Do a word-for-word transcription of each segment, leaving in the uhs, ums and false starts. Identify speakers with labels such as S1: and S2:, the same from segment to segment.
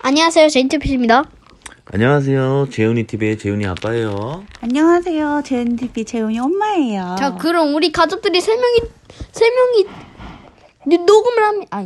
S1: 안녕하세요, 제인티피입니다.
S2: 안녕하세요. 재훈이 티비의 재훈이 아빠예요.
S3: 안녕하세요. 제인티피 재훈이 엄마예요.
S1: 자, 그럼 우리 가족들이 세 명이 세 명이 녹음을 하면 아니.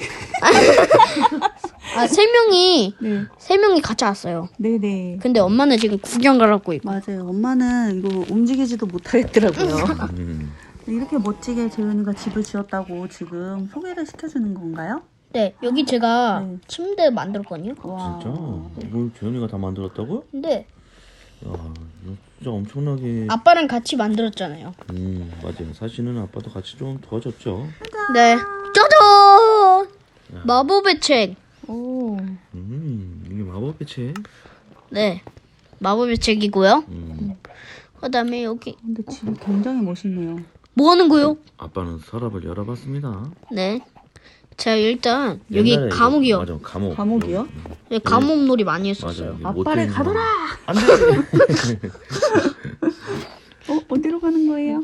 S1: 아, 세 명이
S3: 네.
S1: 세 명이 같이 왔어요.
S3: 네네.
S1: 근데 엄마는 지금 구경 가라고 있고.
S3: 맞아요. 엄마는 이거 움직이지도 못하겠더라고요.
S2: 음.
S3: 이렇게 멋지게 재훈이가 집을 지었다고 지금 소개를 시켜주는 건가요?
S1: 네, 여기 제가
S3: 네.
S1: 침대 만들었거든요.
S3: 와.
S2: 진짜? 이걸 재훈이가 다 만들었다고?
S1: 근데
S2: 야, 이거 진짜 엄청나게.
S1: 아빠랑 같이 만들었잖아요.
S2: 음, 맞아요. 사실은 아빠도 같이 좀 도와줬죠.
S1: 네. 짜잔! 마법의 책.
S3: 오.
S2: 음, 이게 마법의 책.
S1: 네. 마법의 책이고요.
S2: 음,
S1: 그다음에 여기
S3: 근데 집이 굉장히 멋있네요.
S1: 뭐 하는 거요?
S2: 아빠는 서랍을 열어봤습니다.
S1: 네. 자, 일단 여기
S2: 옛날에 이거-
S1: 감옥이요.
S2: 맞아, 감옥.
S3: 감옥이요?
S2: 여기,
S1: 네, 감옥놀이 많이
S2: 맞아.
S1: 했었어요.
S2: 여기
S3: 아빠를
S2: 모텔
S3: 가둬라!
S2: 안 돼.
S3: 어? 어디로 가는 거예요?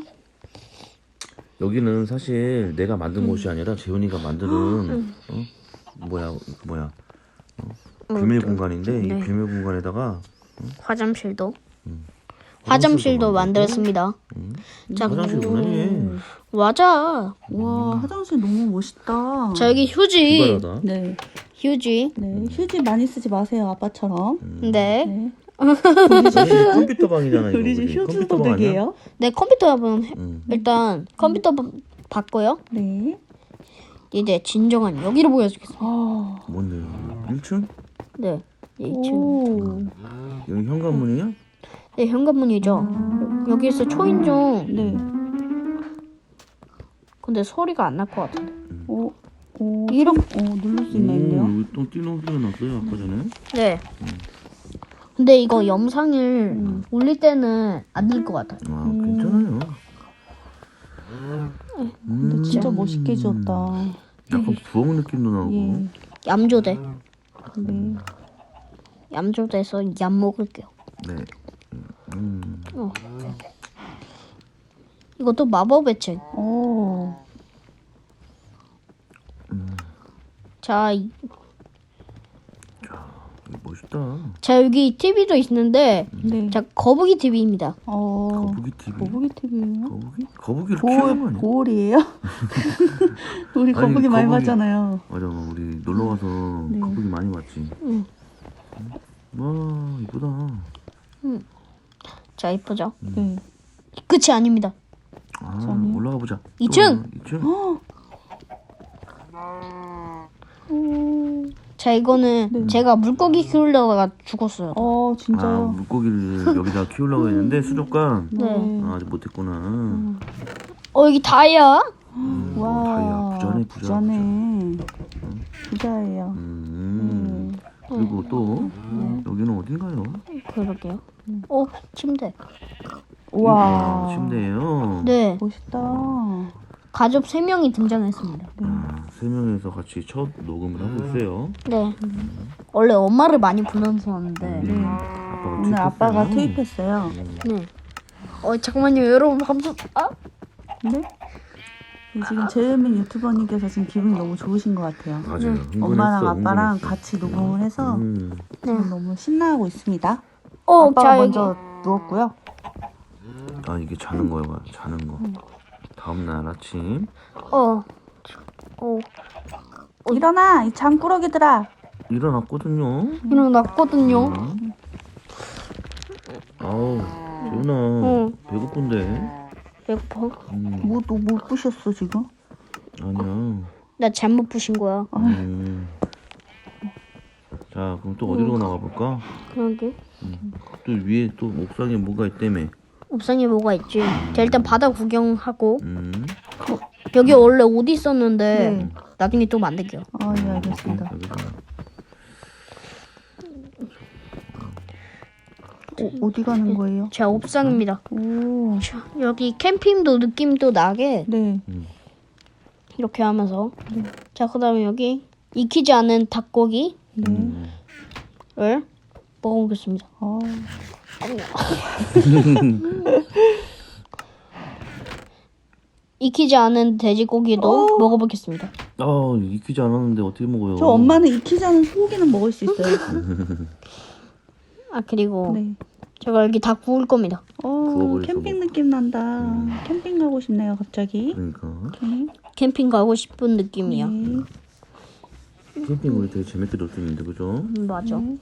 S2: 여기는 사실 내가 만든 곳이 아니라 재훈이가 만드는 어? 뭐야 뭐야 어? 비밀 공간인데
S1: 네.
S2: 이 비밀 공간에다가
S1: 화장실도
S2: 음.
S1: 화장실도
S2: 만들고,
S1: 만들었습니다.
S2: 음.
S1: 자,
S2: 화장실 뭐네.
S1: 맞아.
S3: 와, 화장실 너무 멋있다.
S1: 자, 여기 휴지.
S2: 기발하다.
S3: 네.
S1: 휴지.
S3: 네. 휴지 많이 쓰지 마세요, 아빠처럼.
S1: 네.
S3: 네.
S2: 컴퓨터 방이잖아 이거.
S3: 우리 집
S2: 우리.
S3: 휴지
S2: 컴퓨터 방 아니야?
S3: 소득이에요.
S1: 네, 컴퓨터 한번 해-
S2: 음.
S1: 일단 컴퓨터 바- 받고요.
S3: 네.
S1: 이제 진정한 여기를 보여주겠습니다.
S3: 아.
S2: 뭔데요? 일 층?
S1: 네. 이 층.
S3: 오.
S2: 여기 현관문이야?
S1: 네, 현관문이죠. 여기서 초인종.
S3: 네.
S1: 근데 소리가 안 날 것 같은데.
S3: 오. 오.
S1: 이렇게.
S3: 오, 누를 수 있나요?
S2: 오, 여기 또 띠노 소리가 났어요 아까 전에.
S1: 네. 근데 이거 영상을
S3: 음.
S1: 올릴 때는 안 될 것 같아요.
S2: 아 괜찮아요.
S3: 근데
S2: 음.
S3: 진짜 멋있게 지었다.
S2: 약간 부엌 느낌도 나고.
S3: 예.
S1: 얌조대.
S3: 네.
S1: 얌조대에서 얌 먹을게요.
S2: 네. 음.
S1: 어. 이것도 마법의 책.
S3: 오.
S1: 자, 이-
S2: 이거 멋있다.
S1: 자 여기 티비도 있는데,
S3: 네.
S1: 자 거북이 티비입니다.
S3: 어.
S2: 거북이 티비.
S3: 거북이 티비예요?
S2: 거북이? 거북이를 키우는 거
S3: 고올
S2: 아니야?
S3: 고올이에요? 우리
S2: 아니,
S3: 거북이 많이
S2: 거북이-
S3: 봤잖아요.
S2: 맞아, 우리 놀러 가서
S3: 네.
S2: 거북이 많이 봤지.
S1: 응.
S2: 와 이쁘다.
S1: 자 이쁘죠?
S3: 네.
S1: 끝이 아닙니다.
S2: 아
S3: 저는-
S2: 올라가 보자.
S1: 이 층!
S2: 이 층.
S3: 오.
S1: 자 이거는
S3: 네.
S1: 제가 물고기 키우려다가 죽었어요.
S3: 어,
S2: 아
S3: 진짜요?
S2: 물고기를 여기다 키우려고 했는데 수족관.
S1: 네.
S2: 아, 아직 못했구나.
S1: 어 여기 다이아?
S2: 음,
S3: 와.
S2: 어, 다이아 부자네 부자.
S3: 부자네. 부자예요.
S2: 음.
S3: 네.
S2: 그리고 또
S3: 음.
S2: 여기는 어딘가요?
S1: 그러게요. 어 침대.
S3: 우와.
S2: 아, 침대예요.
S1: 네.
S3: 멋있다.
S1: 가족 세 명이 등장했습니다.
S2: 아, 세 명이서 같이 첫 녹음을 하고 있어요.
S1: 네. 원래 엄마를 많이 불렀었는데.
S3: 네.
S2: 아빠가
S3: 오늘
S2: 투입했어요.
S3: 아빠가 투입했어요.
S1: 네. 어 잠깐만요 여러분 감사. 아
S3: 네? 네, 지금 재민 유튜버님께서 지금 기분이 너무 좋으신 것 같아요.
S2: 맞아요. 흥분했어,
S3: 엄마랑 아빠랑
S2: 흥분했어.
S3: 같이 녹음을 해서
S2: 음.
S3: 지금 너무 신나하고 있습니다.
S1: 어,
S3: 아빠가
S1: 자, 여기.
S3: 먼저 누웠고요.
S2: 아 이게 자는 거야, 자는 거. 다음 날 아침
S1: 어. 어.
S3: 일어나, 이 장꾸러기들아.
S2: 일어났거든요.
S1: 일어났거든요.
S2: 음. 아우, 재훈아,
S1: 응.
S2: 배고픈데.
S1: 배고파.
S2: 음,
S3: 뭐 또 못 부셨어 지금?
S2: 아니야.
S1: 나 잘못 부신 거야.
S2: 음. 자, 그럼 또 어디로 나가 볼까?
S1: 그러게.
S2: 또 위에 또 옥상에 뭐가 있다며.
S1: 옥상에 뭐가 있지? 자 일단 바다 구경하고.
S2: 음.
S1: 여기 원래 옷 있었는데
S3: 네.
S1: 나중에 또 만들게요.
S3: 아, 예, 알겠습니다.
S2: 여기서.
S3: 어, 어디 가는 거예요?
S1: 자 옥상입니다.
S3: 오,
S1: 자, 여기 캠핑도 느낌도 나게
S3: 네.
S1: 이렇게 하면서. 자 그다음에 여기 익히지 않은 닭고기를
S3: 네.
S2: 음.
S1: 먹어보겠습니다.
S3: 아,
S1: 익히지 않은 돼지고기도 먹어보겠습니다.
S2: 아 익히지 않았는데 어떻게 먹어요?
S3: 저 엄마는 익히지 않은 소고기는 먹을 수 있어요.
S1: 아 그리고
S3: 네.
S1: 제가 여기 다 구울 겁니다.
S3: 어,
S2: 부엌을
S3: 캠핑
S2: 좀-
S3: 느낌 난다.
S2: 음.
S3: 캠핑 가고 싶네요, 갑자기.
S2: 그러니까
S3: 네.
S1: 캠핑 가고 싶은 느낌이야.
S3: 네.
S2: 캠핑 우리 되게 재밌게 놀 수 있는데 그죠?
S1: 음, 맞아.
S3: 네.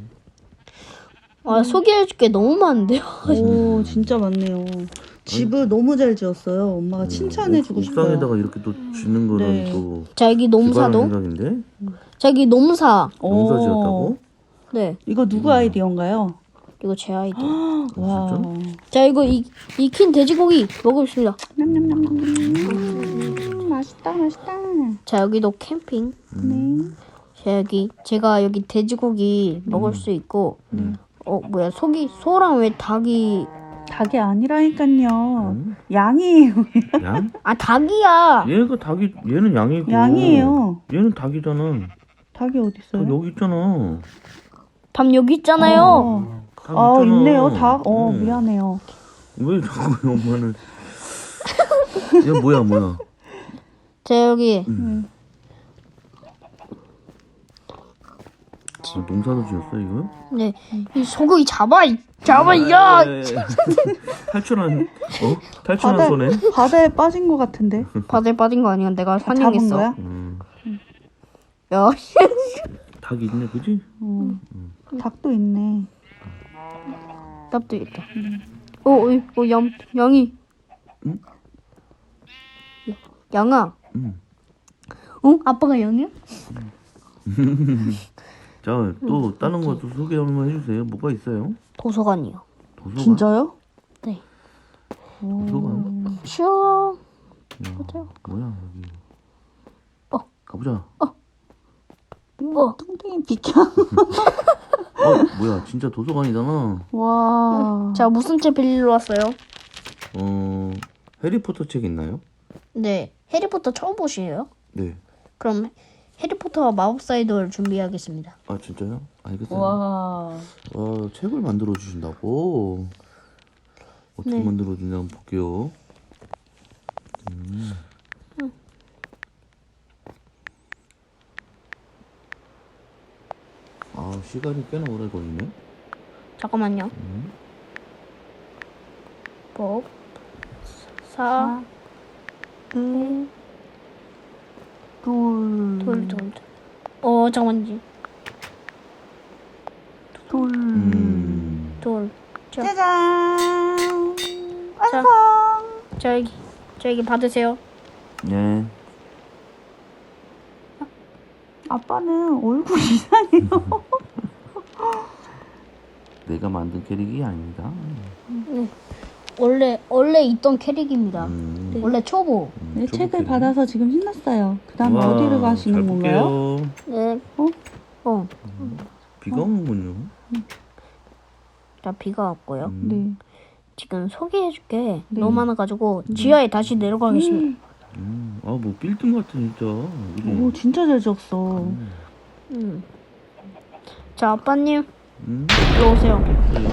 S1: 아 소개해줄 게 너무 많은데요.
S3: 오, 진짜 많네요. 집을 너무 잘 지었어요. 엄마가 칭찬해주고
S2: 옥-
S3: 싶어요.
S2: 옥상에다가 이렇게 또 짓는 거는
S3: 네.
S2: 또
S1: 자 여기
S2: 기발한
S1: 농사도.
S2: 생각인데?
S1: 자 여기 농사.
S2: 농사
S3: 오.
S2: 지었다고?
S1: 네.
S3: 이거 누구 아이디어인가요?
S1: 이거 제 아이디.
S3: 와.
S1: 자 이거 이, 익힌 돼지고기 먹읍시다.
S3: 냠냠냠냠. 맛있다, 맛있다.
S1: 자 여기도 캠핑.
S3: 네.
S1: 자 여기 제가 여기 돼지고기 먹을 수 있고. 어 뭐야 속이 소랑 왜 닭이?
S3: 닭이 아니라니까요.
S2: 음?
S3: 양이에요.
S2: 양?
S1: 아 닭이야.
S2: 얘가 닭이 얘는 양이고
S3: 양이에요.
S2: 얘는 닭이잖아.
S3: 닭이 어디
S2: 닭
S3: 있어요?
S2: 여기 있잖아.
S1: 닭 여기 있잖아요.
S3: 어.
S2: 닭
S3: 아,
S2: 있잖아.
S3: 있네요. 닭. 어,
S2: 응.
S3: 미안해요.
S2: 왜 자꾸 엄마는 얘 뭐야 뭐야?
S1: 자 여기
S3: 음.
S2: 아, 농사도 지었어 이거?
S1: 네 이 소고기 잡아 이- 잡아 야.
S2: 예, 예, 예. 탈출한 어? 탈출한
S3: 바다,
S2: 손에?
S3: 바다에 빠진 것 같은데.
S1: 바다에 빠진 거 아니야? 내가
S3: 잡은
S1: 환영했어.
S3: 거야?
S2: 음,
S1: 야.
S2: 닭이 있네 그지?
S3: 어. 닭도 있네.
S1: 닭도 있다. 어, 어, 어, 양, 양이.
S2: 응?
S1: 야, 양아.
S2: 음.
S1: 어? 아빠가 양이야?
S2: 자, 또 다른 것도 소개 한번 해주세요. 뭐가 있어요?
S1: 도서관이요.
S2: 도서관?
S3: 진짜요?
S1: 네.
S2: 도서관?
S1: 쉬어.
S2: 야,
S1: 맞아요.
S2: 뭐야 여기?
S1: 어.
S2: 가보자.
S1: 어.
S3: 뚱땡이 비켜.
S2: 어, 뭐야? 진짜 도서관이잖아.
S3: 와.
S1: 자, 무슨 책 빌리러 왔어요?
S2: 어, 해리포터 책 있나요?
S1: 네. 해리포터 처음 보시에요?
S2: 네.
S1: 그럼 해리포터와 마법사의 돌 준비하겠습니다.
S2: 아 진짜요? 알겠어요.
S3: 와.
S2: 와, 책을 만들어 주신다고? 어떻게
S1: 네.
S2: 만들어 주냐 한번 볼게요. 음. 아, 시간이 꽤나 오래 걸리네.
S1: 잠깐만요.
S2: 음.
S1: 법. 사.
S3: 네. 돌.
S1: 돌, 돌, 돌. 어, 잠깐만요.
S3: 돌.
S2: 음.
S1: 돌. 자,
S3: 짜잔.
S1: 자.
S3: 완성.
S1: 자, 여기. 자, 여기 받으세요.
S2: 네.
S3: 아빠는 얼굴 이상해요.
S2: 내가 만든 캐릭이 아닙니다.
S1: 네. 원래, 원래 있던 캐릭입니다.
S2: 음.
S1: 원래 초보.
S2: 음,
S3: 네,
S2: 초보
S3: 책을
S2: 캐릭.
S3: 받아서 지금 신났어요. 그 다음에
S2: 와,
S3: 어디를 가시는
S2: 잘
S3: 건가요?
S2: 볼게요.
S1: 네.
S3: 어?
S1: 어.
S2: 비가 오는군요.
S1: 자, 비가 왔고요.
S2: 음.
S3: 네.
S1: 지금 소개해줄 게
S3: 네.
S1: 너무 많아가지고 지하에 다시 내려가겠습니다.
S2: 음. 아, 뭐 빌딩 같아 진짜. 그지?
S3: 오, 진짜 잘 지었어.
S1: 음. 자, 아빠님
S2: 음.
S1: 일로 오세요.
S2: 그래요?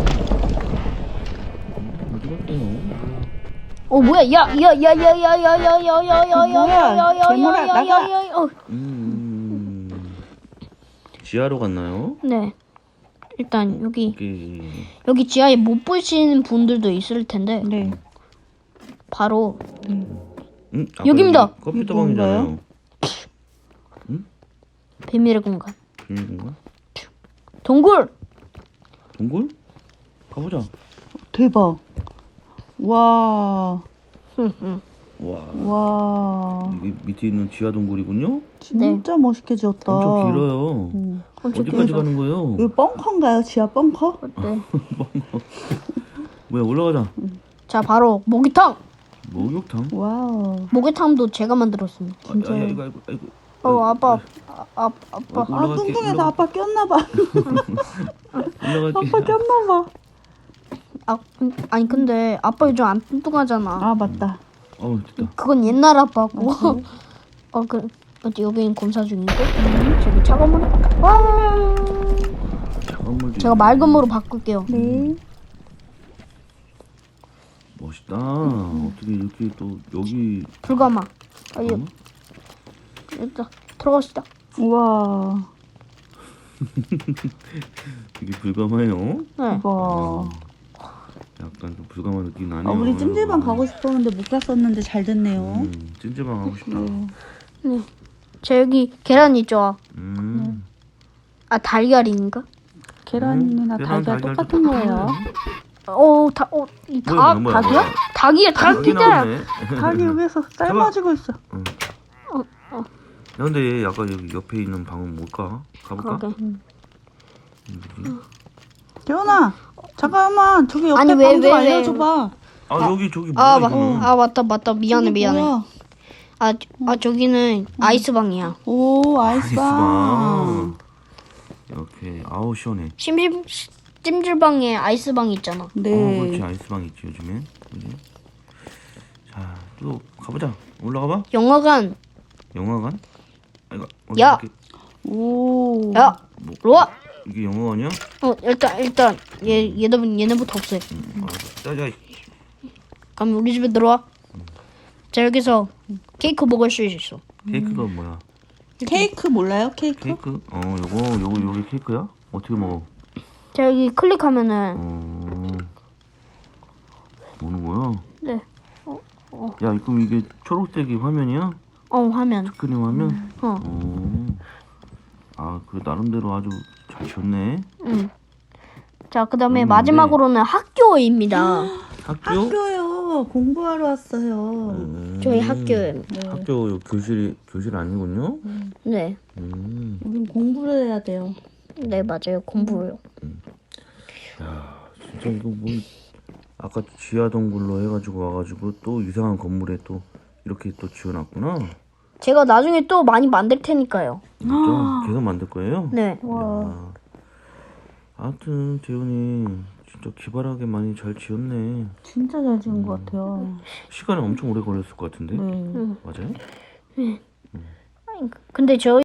S2: 음, 어디 갔어요?
S1: 어 뭐야? 야, 야, 야, 야, 야, 야, 야, 야, 야, 야, 야, 야, 야,
S3: 괴물아,
S1: 야, 야,
S3: 나가.
S1: 야, 야, 어.
S2: 음. 지하로 갔나요?
S1: 네. 일단 여기
S2: 여기.
S1: 여기 지하에 못 보시는 분들도 있을 텐데
S3: 네.
S1: 바로
S2: 음, 아까
S1: 여기입니다.
S2: 여기 컴퓨터 방이잖아요.
S1: 비밀의 공간.
S2: 비밀인가?
S1: 동굴.
S2: 동굴? 가보자.
S3: 대박. 와.
S1: 응, 응.
S2: 와.
S3: 와.
S2: 이게 밑에 있는 지하 동굴이군요.
S3: 진짜 멋있게 지었다.
S2: 엄청 길어요.
S3: 음.
S1: 엄청
S2: 어디까지
S1: 길죠?
S2: 가는 거예요?
S3: 이거 벙커인가요? 지하 벙커?
S1: 네.
S2: 뭐야, 올라가자.
S1: 자, 바로 모기탕.
S2: 목욕탕?
S3: 와우.
S1: 모기탕도 제가 만들었습니다.
S2: 아,
S3: 진짜.
S2: 아, 야, 이거, 아이고, 아이고.
S1: 어, 아빠, 아, 아, 아빠.
S2: 어,
S3: 아,
S2: 올라갈게,
S3: 뚱뚱해서
S2: 올라가-
S3: 아빠 꼈나봐.
S2: 올라갈게.
S3: 아빠 꼈나봐.
S1: 아, 근- 아니 근데 아빠 요즘 안 뚱뚱하잖아.
S3: 아, 맞다.
S2: 어우, 됐다.
S1: 그건 옛날 아빠고. 어, 그, 어디 여기는 검사 중이고. 저기 차가운 물. 와.
S2: 차가운 물도
S1: 제가
S2: 있네.
S1: 맑은 물로 바꿀게요.
S3: 네.
S2: 멋있다. 어떻게 이렇게 또 여기
S1: 불가마. 아, 이,
S2: 어?
S1: 일단 들어갑시다.
S3: 우와.
S2: 되게 불감해요.
S1: 네.
S3: 우와.
S2: 약간 좀 불감한 느낌 나네요.
S3: 아, 우리 찜질방 가고 싶었는데 못 갔었는데 잘 됐네요.
S2: 음, 찜질방 가고 싶다.
S3: 네.
S1: 네. 저 여기 계란 있죠.
S2: 음.
S1: 아 달걀인가?
S3: 계란이나
S2: 음, 계란,
S3: 달걀
S2: 달걀
S3: 똑같은 거예요.
S1: 어, 다, 어, 이
S2: 뭐야,
S1: 닭,
S2: 뭐야, 뭐야,
S3: 닭이야?
S2: 뭐야.
S1: 닭이야,
S2: 닭이
S1: 닭이잖아.
S2: 나오네.
S3: 닭이 여기서 삶아지고 있어.
S2: 응.
S1: 어, 어.
S2: 야, 근데 아까 여기 옆에 있는 방은 뭘까? 가볼까?
S1: 그러게.
S3: 재훈아, 잠깐만. 저기 옆에
S1: 아니, 왜,
S3: 방 좀
S1: 왜, 왜?
S3: 알려줘봐.
S2: 아, 여기 저기 뭐야
S1: 아, 마,
S2: 이거는?
S1: 아 맞다, 맞다. 미안해,
S3: 저기
S1: 미안해.
S3: 뭐야?
S1: 아, 아 저기는 아이스방이야.
S3: 오, 아이스방.
S2: 아이스방. 이렇게 아우 시원해.
S1: 심심 찜질방에 아이스방 있잖아.
S3: 네.
S2: 어, 그렇지 아이스방 있지 요즘엔. 그지? 자, 또 가보자. 올라가봐.
S1: 영화관.
S2: 영화관? 아이고.
S1: 야!
S2: 이렇게-
S3: 오.
S1: 야,
S2: 뭐,
S1: 로아.
S2: 이게 영화관이야?
S1: 어, 일단 일단 얘 얘는 얘네부터 없애.
S2: 응. 알았어. 자자.
S1: 그럼 우리 집에 들어와. 자 여기서 케이크 먹을 수 있어.
S2: 케이크가 뭐야?
S3: 케이크 몰라요? 케이크?
S2: 케이크? 어, 요거 요거 요게 케이크야? 어떻게 먹어?
S1: 자 여기 클릭하면은
S2: 어. 뭐는 거야?
S1: 네.
S2: 야, 그럼 이게 초록색이 화면이야?
S1: 어 화면.
S2: 스크린 화면?
S1: 어.
S2: 어. 아, 그 나름대로 아주 잘 지었네.
S1: 응. 자 그다음에
S2: 음,
S1: 마지막으로는 학교입니다.
S2: 학교?
S3: 학교요. 공부하러 왔어요.
S2: 음.
S1: 저희 학교에.
S2: 학교 요 교실이 교실 아니군요.
S1: 네.
S2: 음.
S3: 우린 공부를 해야 돼요.
S1: 네 맞아요 공부요.
S2: 야, 진짜 이거 뭐 아까 지하 동굴로 해가지고 와가지고 또 이상한 건물에 또 이렇게 또 지어놨구나.
S1: 제가 나중에 또 많이 만들 테니까요.
S2: 진짜 계속 만들 거예요?
S1: 네.
S2: 야. 아무튼 재훈이 진짜 기발하게 많이 잘 지었네.
S3: 진짜 잘 지은 것 같아요.
S2: 시간이 엄청 오래 걸렸을 것 같은데.
S3: 네.
S2: 맞아요?
S1: 근데 저